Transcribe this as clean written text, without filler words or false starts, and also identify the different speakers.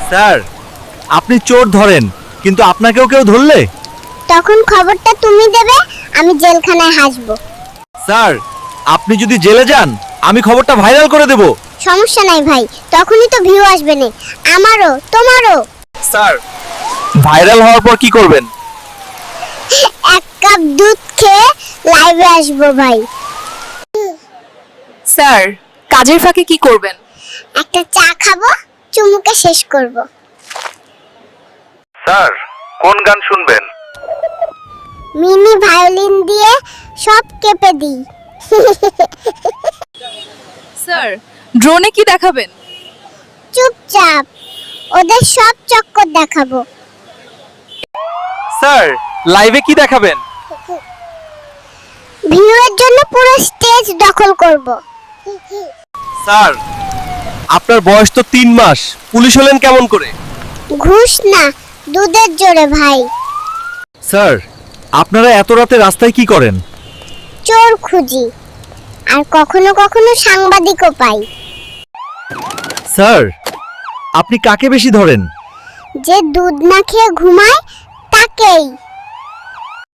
Speaker 1: Sir, আপনি চোর ধরেন, কিন্তু আপনাকেও কেউ ধরলে?
Speaker 2: তখন খবরটা তুমি দেবে, আমি জেলখানায় হাসবো।
Speaker 1: স্যার, আপনি যদি জেলে যান, আমি খবরটা ভাইরাল করে দেব।
Speaker 2: সমস্যা নাই ভাই, তখনই তো ভিউ আসবে না, আমারও তোমারও।
Speaker 1: স্যার, ভাইরাল হওয়ার পর কি করবেন?
Speaker 2: এক কাপ দুধ খেয়ে লাইভে আসবো ভাই।
Speaker 3: স্যার, কাজের ফাঁকে কি করবেন?
Speaker 2: একটা চা খাবো, চুমুকে শেষ করব।
Speaker 1: স্যার, কোন গান শুনবেন?
Speaker 2: মিনি ভায়োলিন দিয়ে সব কেঁপে দিই।
Speaker 3: স্যার, ড্রোনে কি দেখাবেন?
Speaker 2: চুপচাপ, ওদের সব চক্কর দেখাবো।
Speaker 1: স্যার, লাইভে কি দেখাবেন?
Speaker 2: ভিউয়ের জন্য পুরো স্টেজ দখল করব।
Speaker 1: স্যার, আপনার বয়স তো 3 মাস, পুলিশ হলেন কেমন করে?
Speaker 2: ঘুষ না, দুধের জোরে ভাই।
Speaker 1: স্যার, আপনারা এত রাতে রাস্তায় কি করেন?
Speaker 2: চোর খুঁজি, আর কখনো কখনো সাংবাদিকও পাই।
Speaker 1: স্যার, আপনি কাকে বেশি ধরেন?
Speaker 2: যে দুধ না খেয়ে ঘুমায় তাকেই।